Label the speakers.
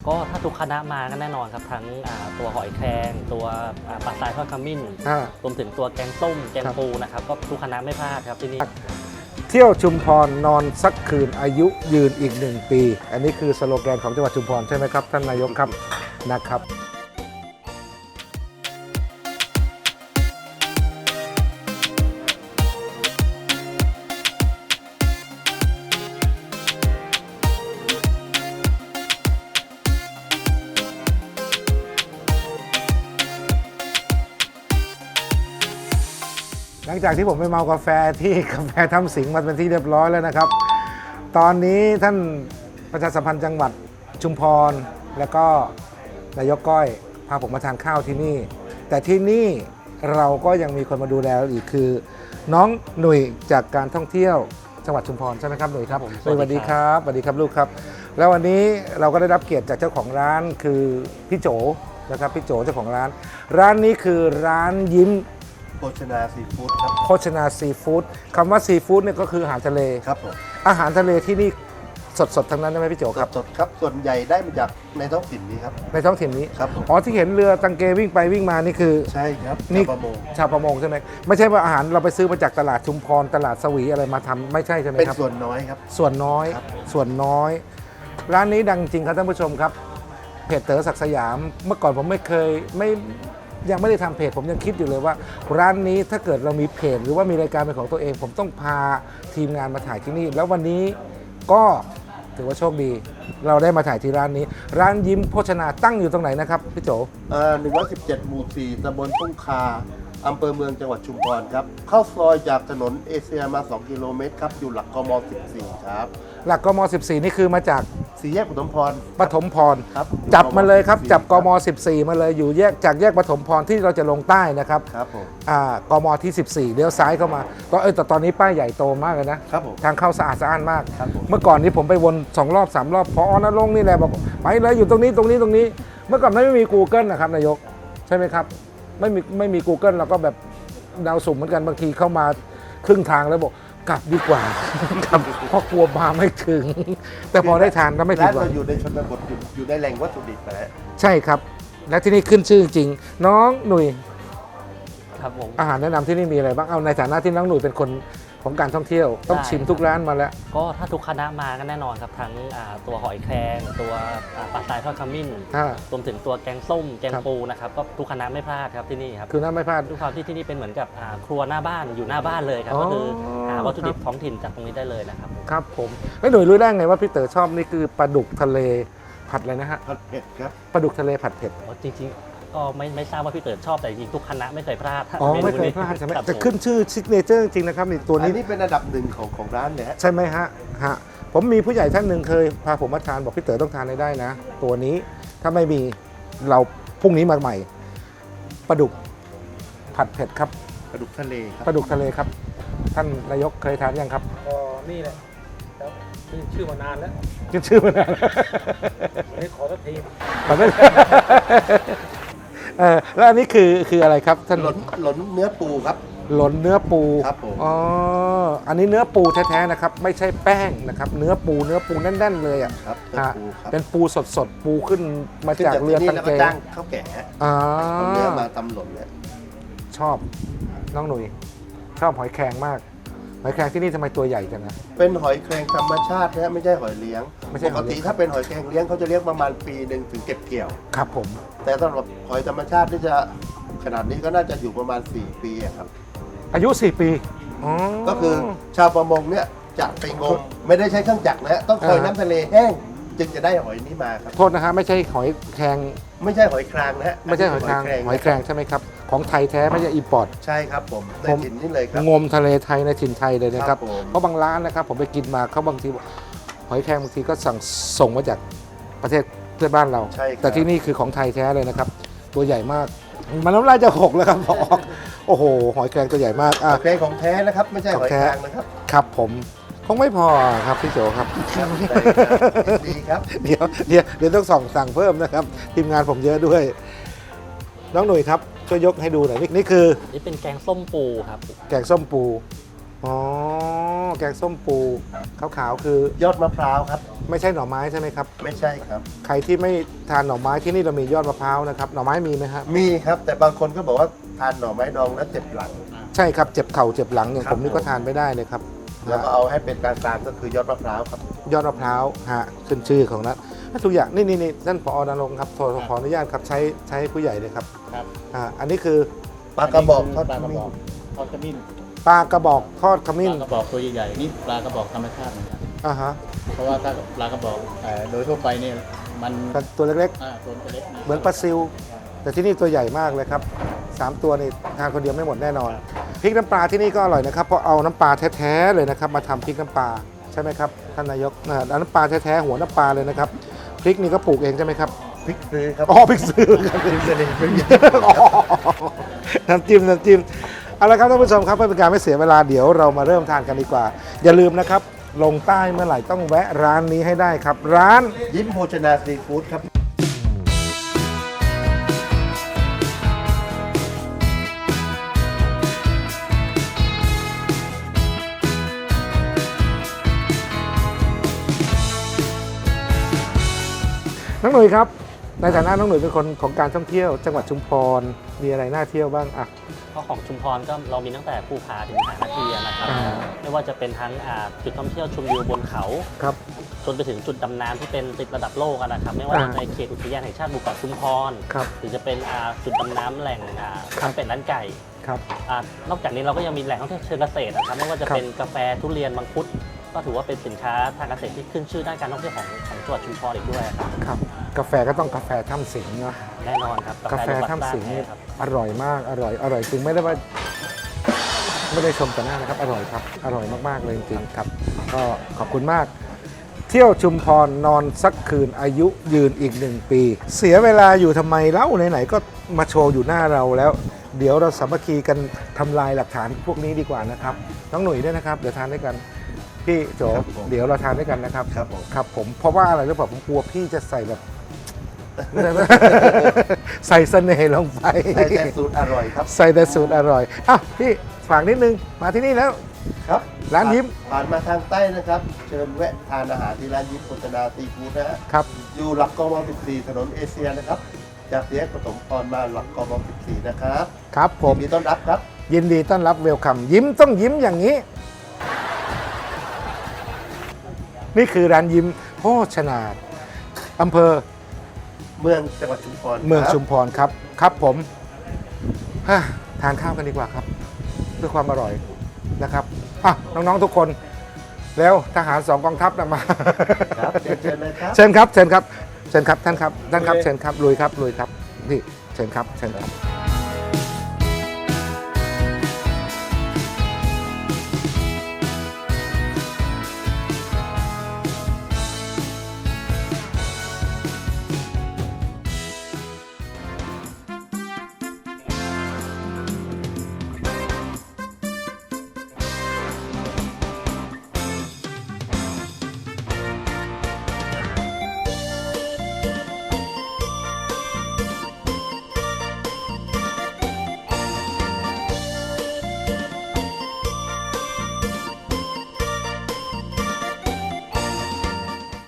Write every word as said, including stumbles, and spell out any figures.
Speaker 1: ก็ถ้าทุกคณะมาก็แน่นอนครับทั้งตัวหอยแครงตัวปลาทรายทอดขมิ้นรวมถึงตัวแกงส้มแกงปูนะครับก็ทุกคณะไม่พลาดครับที่นี่
Speaker 2: เที่ยวชุมพรนอนสักคืนอายุยืนอีกหนึ่งปีอันนี้คือสโลแกนของจังหวัดชุมพรใช่ไหมครับท่านนายกครับนะครับหลังจากที่ผมไปเมากาแฟที่กาแฟทำสิงมาเป็นที่เรียบร้อยแล้วนะครับตอนนี้ท่านประชาสัมพันธ์จังหวัดชุมพรแล้วก็นายกก้อยพาผมมาทานข้าวที่นี่แต่ที่นี่เราก็ยังมีคนมาดูแลอีกคือน้องหนุ่ยจากการท่องเที่ยวจังหวัดชุมพรใช่ไหมครับหนุ่ยครับสวัสดีครับสวัสดีครับลูกครับแล้ววันนี้เราก็ได้รับเกียรติจากเจ้าของร้านคือพี่โจนะครับพี่โจเจ้าของร้านร้านนี้คือร้านยิ้ม
Speaker 3: โภชนาซีฟู้ดครับ
Speaker 2: โภชนาซีฟู้ดคำว่าซีฟู้ดเนี่ยก็คืออาหารทะเล
Speaker 3: ครับผม
Speaker 2: อาหารทะเลที่นี่สดๆทั้งนั้นใช่ไหมพี่โจครับ
Speaker 3: สดครับส่วนใหญ่ได้มาจากในท้องถิ่นนี้ครับ
Speaker 2: ในท้องถิ่นนี้
Speaker 3: ครับ
Speaker 2: อ๋อที่เห็นเรือตังเกวิ่งไปวิ่งมานี่คือ
Speaker 3: ใช่ครับ
Speaker 2: นี่
Speaker 3: ชาวประมง
Speaker 2: ชาวประมงใช่ไหมไม่ใช่ว่าอาหารเราไปซื้อมาจากตลาดชุมพรตลาดสวีอะไรมาทำไม่ใช่ใช่ไหมครับ
Speaker 3: เป็นส่วนน้อยครับ
Speaker 2: ส่วนน้อยส่วนน้อยร้านนี้ดังจริงครับท่านผู้ชมครับเพจเต๋อศักดิ์สยามเมื่อก่อนผมไม่เคยไม่ยังไม่ได้ทำเพจผมยังคิดอยู่เลยว่าร้านนี้ถ้าเกิดเรามีเพจหรือว่ามีรายการเป็นของตัวเองผมต้องพาทีมงานมาถ่ายที่นี่แล้ววันนี้ก็ถือว่าโชคดีเราได้มาถ่ายที่ร้านนี้ร้านยิ้มโภชนาตั้งอยู่ตรงไหนนะครับพี่โจ
Speaker 3: อ่าหนึ่งร้อยสิบเจ็ดหมู่สี่ตำบลทุ่งคาอำเภอเมืองจังหวัดชุมพรครับเข้าซอยจากถนนเอเชียมาสองกิโลเมตรครับอยู่หลักกมสิบสี่ครับ
Speaker 2: หลักกมสิบสี่นี่คือมาจาก
Speaker 3: สี่แยกปฐมพร
Speaker 2: ปฐมพร
Speaker 3: ครับ
Speaker 2: จับมาเลยครับจับกมสิบสี่มาเลยอยู่แยกจากแยกปฐมพรที่เราจะลงใต้นะครับ
Speaker 3: ครับผม
Speaker 2: อ่ากมที่สิบสี่เลี้ยวซ้ายเข้ามาก็เออแต่ตอนนี้ป้ายใหญ่โตมากเลยนะครับ
Speaker 3: ผม
Speaker 2: ทางเข้าสะอาดสะอ้านมาก
Speaker 3: ครับผม
Speaker 2: เมื่อก่อนนี้ผมไปวนสองรอบสามรอบพอณรงค์นี่แหละบอกไปเลยอยู่ตรงนี้ตรงนี้ตรงนี้เมื่อก่อนไม่มี Google นะครับนายกใช่ไหมครับไม่มีไม่มี Google เราก็แบบดาวสุ่มเหมือนกันบางทีเข้ามาครึ่งทางแล้วบอกกลับดีกว่ากลับเพราะกลัวมาไม่ถึงแต่พอได้ทานก็ไม่ผิดหวัง
Speaker 3: ร้านเราอยู่ในชนบทอยู่ในแหล่งวัตถุดิบนะ
Speaker 2: ใช่ครับและที่นี่ขึ้นชื่อจริงน้องหนุ่ย
Speaker 1: ครับผม
Speaker 2: อาหารแนะนำที่นี่มีอะไรบ้างเอาในฐานะที่น้องหนุ่ยเป็นคนของการท่องเที่ยวต้องชิมทุกร้านมาแล้ว
Speaker 1: ก็ถ้าทุกคณะมาก็แน่นอนครับทั้งตัวหอยแครงตัวปลาทรายทอดขมิ้นรวมถึงตัวแกงส้มแกงปูนะครับก็ทุกคณะไม่พลาดครับที่นี่ครับ
Speaker 2: คือน้าไม่พลาด
Speaker 1: ด้วยความที่ที่นี่เป็นเหมือนกับครัวหน้าบ้านอยู่หน้าบ้านเลยครับก็คือหาวัตถุดิบท้องถิ่นจากตรงนี้ได้เลยนะครับ
Speaker 2: ครับผมแล้วหนุ่ยรู้ได้ไงว่าพี่เต๋อชอบนี่คือปลาดุกทะเลผัดอะไรนะฮะ
Speaker 3: ผัดเผ็ดครับ
Speaker 2: ปลาดุกทะเลผัดเผ็ด
Speaker 1: จริงๆก็ไม่ไม่ทราบว่าพี่เต๋อชอบแต่จริงทุกคณะไม่เคยพลาด
Speaker 2: อ๋อไม่เคยพลาดใช่ไหมจะขึ้นชื่อซิกเนเจอร์จริงนะครับนี่ตัวนี้
Speaker 3: นี่เป็นอันดับหนึ่งของของร้านเลยฮะ
Speaker 2: ใช่ไหมฮะฮะผมมีผู้ใหญ่ท่านหนึ่งเคยพาผมมาทานบอกพี่เต๋อต้องทานให้ได้นะตัวนี้ถ้าไม่มีเราพรุ่งนี้มาใหม่ปลาดุกผัดเผ็ดครับ
Speaker 3: ปลาดุกทะเลครับ
Speaker 2: ปลาดุกทะเลครับท่านนายกเคยทานยังครับ
Speaker 4: อ๋อนี่แหละครับขึ้นชื่อมานานแล้ว
Speaker 2: ขึ้นชื่อมานาน
Speaker 4: วันนี้ขอสักที
Speaker 2: ขอสักเออแล้วอันนี้คือคืออะไรครับท่าน
Speaker 3: หลนหลนเนื้อปูครับ
Speaker 2: หลนเนื้อปู
Speaker 3: ครับผม
Speaker 2: อ๋ออันนี้เนื้อปูแท้ๆนะครับไม่ใช่แป้งนะครับเนื้อปูเนื้อปูแน่นๆเลยอ่ะ
Speaker 3: ครับ
Speaker 2: เป็นปูสดๆปูขึ้นมาจากเรือตังเก
Speaker 3: จ้างข้าวแก่
Speaker 2: อ๋อ
Speaker 3: เนื้อมาตำหล่นเนี่ย
Speaker 2: ชอบน้องหนุ่ยชอบหอยแครงมากหอยแครงที่นี่ทำไมตัวใหญ่จังนะ
Speaker 3: เป็นหอยแครงธรรมชาตินะไม่ใช่หอยเลี้ยงปกติถ้าเป็นหอยแครงเลี้ยงเขาจะเลี้ยงประมาณปีหนึ่งถึงเก็บเกี่ยว
Speaker 2: ครับผม
Speaker 3: แต่สำหรับหอยธรรมชาติที่จะขนาดนี้ก็น่าจะอยู่ประมาณสี่ปีครับ
Speaker 2: อายุสี่ปี
Speaker 3: ก็คือชาวประมงเนี่ยจะไปงมไม่ได้ใช้เครื่องจักรนะต้องคอยน้ำทะเลแห้งจึงจะได้หอยนี้มาครับ
Speaker 2: โทษนะฮะไม่ใช่หอยแครง
Speaker 3: ไม่ใช่หอยแครงนะฮะ
Speaker 2: ไม่ใช่หอยแครงหอยแครงใช่ไหมครับของไทยแท้ไม่ใช่อิมพอร์ต
Speaker 3: ใช่ครับผมในถิ่นนี่เลยครับ
Speaker 2: งมทะเลไทยในถิ่นไทยเลยนะครับเพราะบางร้านนะครับผมไปกินมาเขาบางทีหอยแครงบางทีก็สั่งส่งมาจากประเทศเพื่อนบ้านเราแต่ที่นี่คือของไทยแท้เลยนะครับตัวใหญ่มากมันน้ำลายจะหกแล้วครับบอกโอ้โหหอยแครงตัวใหญ่มาก
Speaker 3: หอยแครงของแท้นะครับไม่ใช่หอยแครงนะครับ
Speaker 2: ครับผมคงไม่พอครับพี่โจครับ
Speaker 3: ดีครับ
Speaker 2: เดี๋ยวเดี๋ยวเดี๋ยวต้องส่องสั่งเพิ่มนะครับทีมงานผมเยอะด้วยน้องหนุ่ยครับช่วยยกให้ดูหน่อยนี่คือ
Speaker 1: นี่เป็นแกงส้มปูครับ
Speaker 2: แกงส้มปูอ๋อแกงส้มปูขาวๆคือย
Speaker 3: อดมะพร้าวครับ
Speaker 2: ไม่ใช่หน่อไม้ใช่ไหมครับ
Speaker 3: ไม่ใช่ครับ
Speaker 2: ใครที่ไม่ทานหน่อไม้ที่นี่เรามียอดมะพร้าวนะครับหน่อไม้มีไหมครับ
Speaker 3: มีครับ แต่บางคนก็บอกว่าทานหน่อไม้ดองแล้วเจ็บหลัง
Speaker 2: ใช่ครับเจ็บเข่าเจ็บหลังอย่าง
Speaker 3: ครับ
Speaker 2: ผมนี่ก็ทานไม่ได้เลยครับ
Speaker 3: แล้วก็เอาให้เป็นกลางๆก็คือยอดมะพร้าวครับ
Speaker 2: ยอดมะพร้าวฮะขึ้นชื่อของนั้นทุกอย่างนี่นี่นี่ท่านผอณรงค์ครับขอขออนุญาตครับใช้ใช้ผู้ใหญ่เลยครับ
Speaker 5: ครับ
Speaker 2: อ่าอันนี้คือ
Speaker 3: ปลากระบอกทอด
Speaker 5: ปลา
Speaker 3: ข
Speaker 5: กระ
Speaker 3: มิ้
Speaker 5: บอน กทอดขมิ้น
Speaker 2: ปลากระบอกทอดข
Speaker 5: ป
Speaker 2: มิ้น
Speaker 5: ลากระบอกตัวใหญ่ๆนี่ปลากระบอกธรรมชาติเหมือนกัน
Speaker 2: อ่าฮะ
Speaker 5: เพราะว่าถ้าปลากระบอกเอ่อโดยทั่วไปเนี่ยมัน
Speaker 2: แต่ตัวเล็ก
Speaker 5: อ่าตัวเล็กนะ
Speaker 2: ๆ เหมือนปลาซิว แต่ที่นี่ตัวใหญ่มากเลยครับสามตัวนี่ทานคนเดียวไม่หมดแน่นอนพริกน้ำปลาที่นี่ก็อร่อยนะครับเพราะเอาน้ำปลาแท้ๆเลยนะครับมาทำพริกน้ำปลาใช่ไหมครับท่านนายกนะเอาน้ำปลาแท้ๆหัวน้ำปลาเลยนะครับพริกนี่ก็ปลูกเองใช่ไหมครับ
Speaker 3: พริกซื้อครับ
Speaker 2: อ๋อพริกซื้อครับพริกซื้ออ๋อน้ำจิ้มน้ำจิ้มเอาละครับท่านผู้ชมครับเพื่อเป็นการไม่เสียเวลาเดี๋ยวเรามาเริ่มทานกันดีกว่า อย่าลืมนะครับลงใต้เมื่อไหร่ต้องแวะร้านนี้ให้ได้ครับ ร้าน
Speaker 3: ยิ้มโภชนาซีฟู้ดครับ
Speaker 2: น้องหนุ่ยครับในฐานะน้องหนุ่ยเป็นคนของการท่องเที่ยว จังหวัดชุมพรมีอะไรน่าเที่ยวบ้างอ่ะ
Speaker 1: ก็ของชุมพรก็เรามีตั้งแต่ภูผาถึงหานาทีนะครับ
Speaker 2: อ่า
Speaker 1: ไม่ว่าจะเป็นทั้งอ่าจุดท่องเที่ยวชมวิวบนเขา
Speaker 2: ครับ
Speaker 1: จนไปถึงจุดดำน้ำที่เป็นติดระดับโลกอะนะครับ ไม่ว่าจะ
Speaker 2: อ่า
Speaker 1: ในเขตอุทยานแห่งชาติหมู่เกาะชุมพร
Speaker 2: ครับ
Speaker 1: หรือจะเป็นอ่าจุดดำน้ำแหล่งอ่า
Speaker 2: ครับ
Speaker 1: ร้านเป็ดร้านไก่
Speaker 2: ครับ
Speaker 1: อ่านอกจากนี้เราก็ยังมีแหล่งท่องเที่ยวเชิงเกษตรนะครับไม่ว่าจะ
Speaker 2: ครับ
Speaker 1: เป็นกาแฟทุเรียนมังคุดก็ถือว่าเป็นสินค้าทางเกษตรที่ขึ้นชื่อด้านการท่องเที่ยวของของจังหวัดชุมพรอีกด้วยครับ
Speaker 2: ครับกาแฟก็ต้องกาแฟถ้ำสิงห์เนาะ
Speaker 1: แน่นอนครับ
Speaker 2: กาแฟ
Speaker 1: ลูกหลาน
Speaker 2: ถ้ำสิงห์
Speaker 1: บ้าน
Speaker 2: นี่
Speaker 1: แท้ครับ
Speaker 2: อร่อยมากอร่อยอร่อยจริงไม่ได้ว่าไม่ได้ชมแต่หน้านะครับ อร่อยครับ อร่อยมากๆเลยจริงๆครับ ก็ขอบคุณมาก เที่ยวชุมพรนอนสักคืนอายุยืนอีกหนึ่งปี เสียเวลาอยู่ทำไมเล่าไหนๆก็มาโชว์อยู่หน้าเราแล้ว เดี๋ยวเราสามัคคีกันทำลายหลักฐานพวกนี้ดีกว่านะครับน้องหนุ่ยด้วยนะครับเดี๋ยวทานด้วยกันพี่โจ
Speaker 3: ครับผม
Speaker 2: เดี๋ยวเราทานด้วยกันนะครับ
Speaker 3: ครับผม
Speaker 2: ครับผมเพราะว่าอะไรหรือเปล่าผมกลัวพี่จะใส่แบบ ใส่เสน่ห์ลงไป
Speaker 3: ใส่แต่สูตรอร่อยครับ
Speaker 2: ใส่แต่สูตรอร่อยอ่ะพี่ฝากนิดนึงมาที่นี่แล้ว
Speaker 3: ครับ
Speaker 2: ร้านยิ้ม
Speaker 3: ผ่านมาทางใต้นะครับ เชิญแวะทานอาหารที่ร้านยิ้มโภชนาซีฟู้ดนะฮะ
Speaker 2: ครับ
Speaker 3: อยู่หลักกมสิบสี่ถนนเอเชียนะครับ จากแยกปฐมพรมาหลักกมสิบสี่นะครับ
Speaker 2: ครับผม
Speaker 3: ยินดีต้อนรับครับ
Speaker 2: ยินดีต้อนรับเวลคัมยิ้มต้องยิ้มอย่างนี้ นี่คือร้านยิ้มโภชนาอำเภอ
Speaker 3: เมืองจังหวัดชุมพร
Speaker 2: เมือง
Speaker 3: ครับ
Speaker 2: ชุมพรครับครับผมฮะทานข้าวกันดีกว่าครับเพื่อความอร่อยนะครับอ่ะน้องๆทุกคน แล้วทหารสองกองทัพนะมา
Speaker 3: ครับเชิญเชิญเลยครับ
Speaker 2: เชิญครับเชิญครับเชิญครับท่านครับท่านครับเชิญครับลุยครับลุยครับนี่เชิญครับเชิญครับ